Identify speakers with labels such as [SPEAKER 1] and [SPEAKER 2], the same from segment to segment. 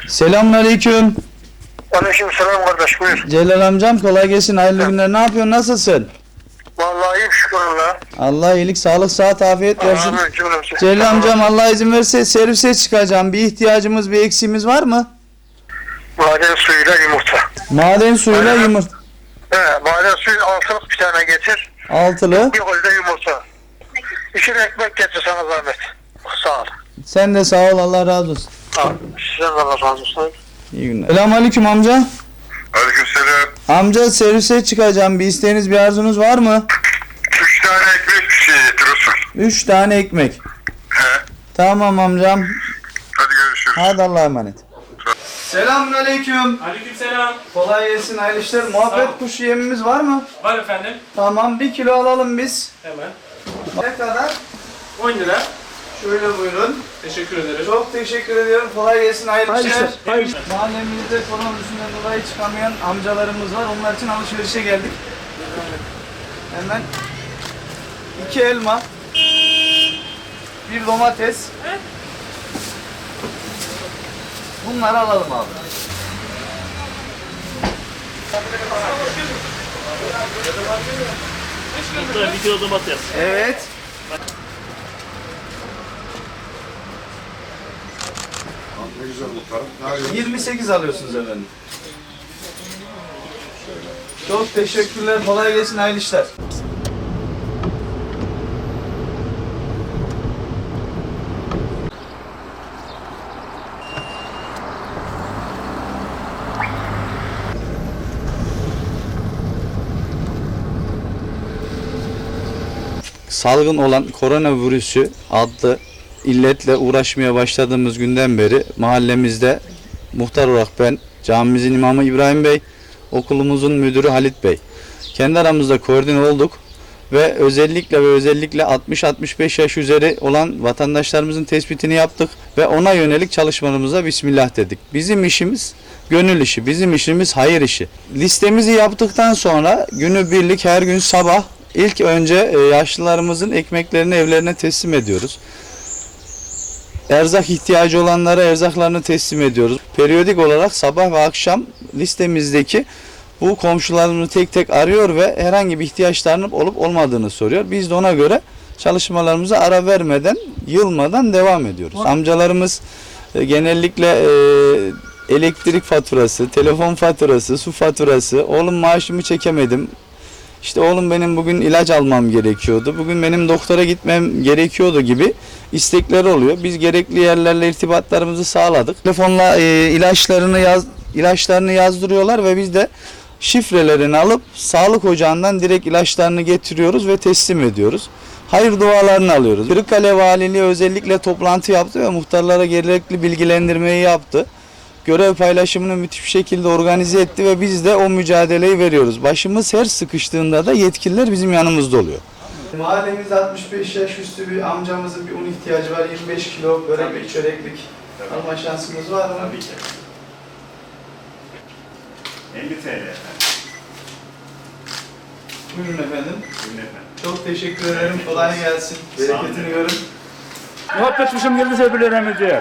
[SPEAKER 1] Selamünaleyküm.
[SPEAKER 2] Aleykümselam kardeş, buyur.
[SPEAKER 1] Celal amcam kolay gelsin. Hayırlı günler. Ne yapıyorsun? Nasılsın?
[SPEAKER 2] Vallahi iyiyim, şükür Allah'a.
[SPEAKER 1] Allah iyilik, sağlık, sıhhat, afiyet versin.
[SPEAKER 2] Amin cümlemize.
[SPEAKER 1] Celal amcam Allah izin verirse servise çıkacağım. Bir ihtiyacımız, bir eksiğimiz var mı?
[SPEAKER 2] Maden suyuyla yumurta.
[SPEAKER 1] Maden suyuyla yumurta.
[SPEAKER 2] Maden suyu altılık bir tane getir.
[SPEAKER 1] Altılı.
[SPEAKER 2] Bir kolde yumurta. İçine ekmek getir sana zahmet. Sağ ol.
[SPEAKER 1] Sen de sağ ol. Allah razı olsun.
[SPEAKER 2] Sizden de Allah razı olsun.
[SPEAKER 1] İyi günler. Selamünaleyküm amca.
[SPEAKER 3] Aleykümselam.
[SPEAKER 1] Amca servise çıkacağım. Bir isteğiniz, bir arzunuz var mı?
[SPEAKER 3] 3 tane ekmek bir şey getiriyorsun.
[SPEAKER 1] 3 tane ekmek.
[SPEAKER 3] He.
[SPEAKER 1] Tamam amcam.
[SPEAKER 3] Hadi görüşürüz.
[SPEAKER 1] Hadi Allah'a emanet. Selamünaleyküm.
[SPEAKER 4] Aleykümselam.
[SPEAKER 1] Kolay gelsin, hayırlı işler. Muhabbet kuşu yemimiz var mı?
[SPEAKER 4] Var efendim.
[SPEAKER 1] Tamam, 1 kilo alalım biz.
[SPEAKER 4] Hemen.
[SPEAKER 1] Ne kadar?
[SPEAKER 4] 10 lira.
[SPEAKER 1] Şöyle buyurun.
[SPEAKER 4] Teşekkür ederim.
[SPEAKER 1] Çok teşekkür ediyorum. Kolay gelsin, hayırlı işler.
[SPEAKER 4] Hayırlı.
[SPEAKER 1] Mahallemizde koronavirüsünden dolayı çıkamayan amcalarımız var. Onlar için alışverişe geldik. Hemen 2 elma, 1 domates. Bunları alalım abi.
[SPEAKER 4] Bir kilo domates.
[SPEAKER 1] Evet.
[SPEAKER 3] Ne güzel muhtarım.
[SPEAKER 1] 28 alıyorsunuz efendim. Çok teşekkürler. Kolay gelsin, hayırlı işler. Salgın olan koronavirüsü adlı illetle uğraşmaya başladığımız günden beri mahallemizde muhtar olarak ben, camimizin imamı İbrahim Bey, okulumuzun müdürü Halit Bey. Kendi aramızda koordine olduk ve özellikle 60-65 yaş üzeri olan vatandaşlarımızın tespitini yaptık ve ona yönelik çalışmalarımıza bismillah dedik. Bizim işimiz gönül işi, bizim işimiz hayır işi. Listemizi yaptıktan sonra günübirlik her gün sabah İlk önce yaşlılarımızın ekmeklerini evlerine teslim ediyoruz. Erzak ihtiyacı olanlara erzaklarını teslim ediyoruz. Periyodik olarak sabah ve akşam listemizdeki bu komşularımızı tek tek arıyor ve herhangi bir ihtiyaçlarının olup olmadığını soruyor. Biz de ona göre çalışmalarımıza ara vermeden, yılmadan devam ediyoruz. Amcalarımız genellikle elektrik faturası, telefon faturası, su faturası, oğlum maaşımı çekemedim. İşte oğlum benim bugün ilaç almam gerekiyordu, bugün benim doktora gitmem gerekiyordu gibi istekleri oluyor. Biz gerekli yerlerle irtibatlarımızı sağladık. Telefonla ilaçlarını yazdırıyorlar ve biz de şifrelerini alıp sağlık ocağından direkt ilaçlarını getiriyoruz ve teslim ediyoruz. Hayır dualarını alıyoruz. Kırıkkale Valiliği özellikle toplantı yaptı ve muhtarlara gerekli bilgilendirmeyi yaptı. Görev paylaşımını müthiş bir şekilde organize etti ve biz de o mücadeleyi veriyoruz. Başımız her sıkıştığında da yetkililer bizim yanımızda oluyor. Mahallemizde 65 yaş üstü bir amcamızın bir un ihtiyacı var. 25 kilo börek, çöreklik alma şansımız var mı?
[SPEAKER 4] Tabii ki. 50 TL efendim.
[SPEAKER 1] Buyurun efendim.
[SPEAKER 4] Buyurun efendim.
[SPEAKER 1] Çok teşekkür ederim. Kolay gelsin. Bereketini görün.
[SPEAKER 5] Muhabbet kuşum geldiyse bilemem değil.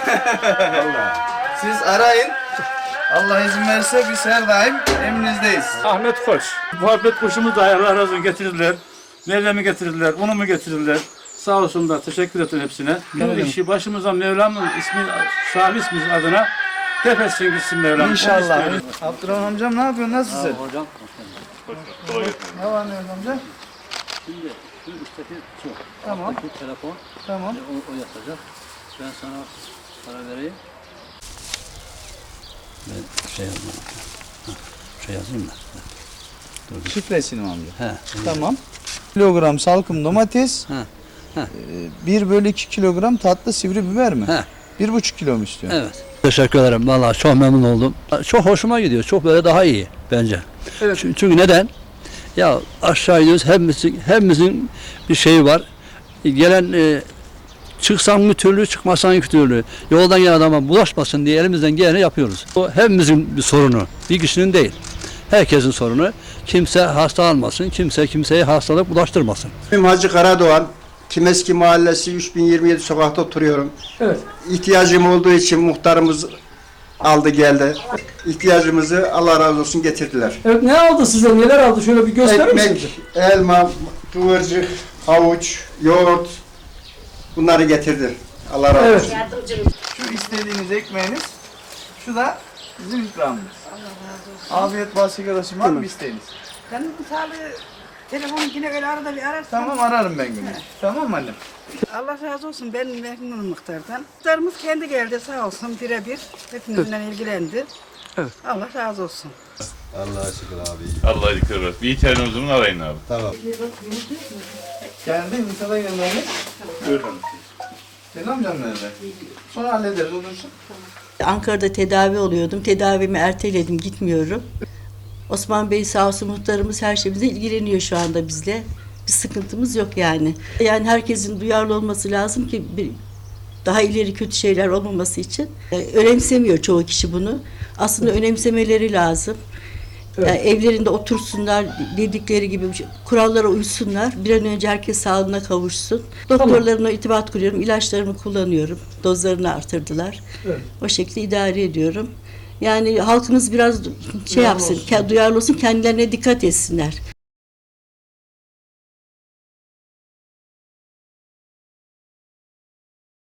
[SPEAKER 1] Siz arayın. Allah izin verirse biz her daim emrinizdeyiz.
[SPEAKER 5] Ahmet Koç. Muhabbet kuşumu da Allah razı olsun getirdiler. Mevlam'ı getirdiler, unumu getirdiler. Sağ olsunlar, teşekkür ederim hepsine. Bu işi başımıza Mevlam'ın ismi, sahibi ismi adına def etsin gitsin Mevlam.
[SPEAKER 1] İnşallah. Abdurrahman amcam ne yapıyorsun? Nasılsın?
[SPEAKER 5] Hocam,
[SPEAKER 1] Ne var ne yok amca?
[SPEAKER 6] Şimdi şu üstteki su.
[SPEAKER 1] Tamam.
[SPEAKER 6] Alttaki telefon.
[SPEAKER 1] Tamam.
[SPEAKER 6] O yatacak. Ben sana para vereyim. Ben şey yazmam. Şey yazayım mı?
[SPEAKER 1] Şifresini mi amca?
[SPEAKER 6] He.
[SPEAKER 1] Tamam. Kilogram salkım domates.
[SPEAKER 6] He. He.
[SPEAKER 1] 1/2 kilogram tatlı sivri biber mi?
[SPEAKER 6] He.
[SPEAKER 1] 1,5 kilo mu istiyor?
[SPEAKER 6] Evet. Teşekkür ederim. Vallahi çok memnun oldum. Çok hoşuma gidiyor. Çok böyle daha iyi bence.
[SPEAKER 1] Evet.
[SPEAKER 6] Çünkü neden? Ya aşağı iniyoruz. Hepimizin bir şeyi var. Gelen çıksan bir türlü, çıkmasan iki türlü. Yoldan gelen adama bulaşmasın diye elimizden geleni yapıyoruz. O hepimizin bir sorunu. Bir kişinin değil. Herkesin sorunu. Kimse hasta almasın, kimse kimseye hastalık bulaştırmasın.
[SPEAKER 7] İsmim Hacı Karadoğan. Kimeski Mahallesi 3027 sokakta oturuyorum.
[SPEAKER 5] Evet.
[SPEAKER 7] İhtiyacım olduğu için muhtarımız aldı geldi. İhtiyacımızı Allah razı olsun getirdiler.
[SPEAKER 8] Evet, ne aldı size? Neler aldı? Şöyle bir gösterir misiniz?
[SPEAKER 7] Ekmek, elma, kıvırcık, havuç, yoğurt bunları getirdi. Allah razı olsun.
[SPEAKER 1] Şu istediğiniz ekmeğiniz, şu da bizim ikramımız. Afiyet bal şeker olsun. Var mı isteğiniz?
[SPEAKER 9] Benim sağlığı telefonu yine öyle arada bir ararsan.
[SPEAKER 1] Tamam, ararım ben günü. Tamam mı annem?
[SPEAKER 9] Allah razı olsun, ben memnunum muhtardan. Muhtarımız kendi geldi sağ olsun birebir. Hepimizle ilgilendi.
[SPEAKER 8] Evet.
[SPEAKER 9] Allah razı olsun.
[SPEAKER 10] Allah dikkat et. Bir tane o zaman arayın abi.
[SPEAKER 1] Geldi mi? Sana gelmeniz?
[SPEAKER 4] Buyurun.
[SPEAKER 1] Senin amcam nerede? Sonra hallederiz, olursun.
[SPEAKER 11] Ankara'da tedavi oluyordum. Tedavimi erteledim, gitmiyorum. Osman Bey sağ olsun muhtarımız her şeyimizle ilgileniyor şu anda bizle. Bir sıkıntımız yok yani. Yani herkesin duyarlı olması lazım ki daha ileri kötü şeyler olmaması için. Önemsemiyor çoğu kişi bunu. Aslında önemsemeleri lazım. Yani evlerinde otursunlar, dedikleri gibi kurallara uysunlar. Bir an önce herkes sağlığına kavuşsun. Doktorlarımla irtibat kuruyorum, ilaçlarımı kullanıyorum. Dozlarını artırdılar.
[SPEAKER 8] Evet.
[SPEAKER 11] O şekilde idare ediyorum. Yani halkımız biraz şey yapsın, duyarlı olsun, kendilerine dikkat etsinler.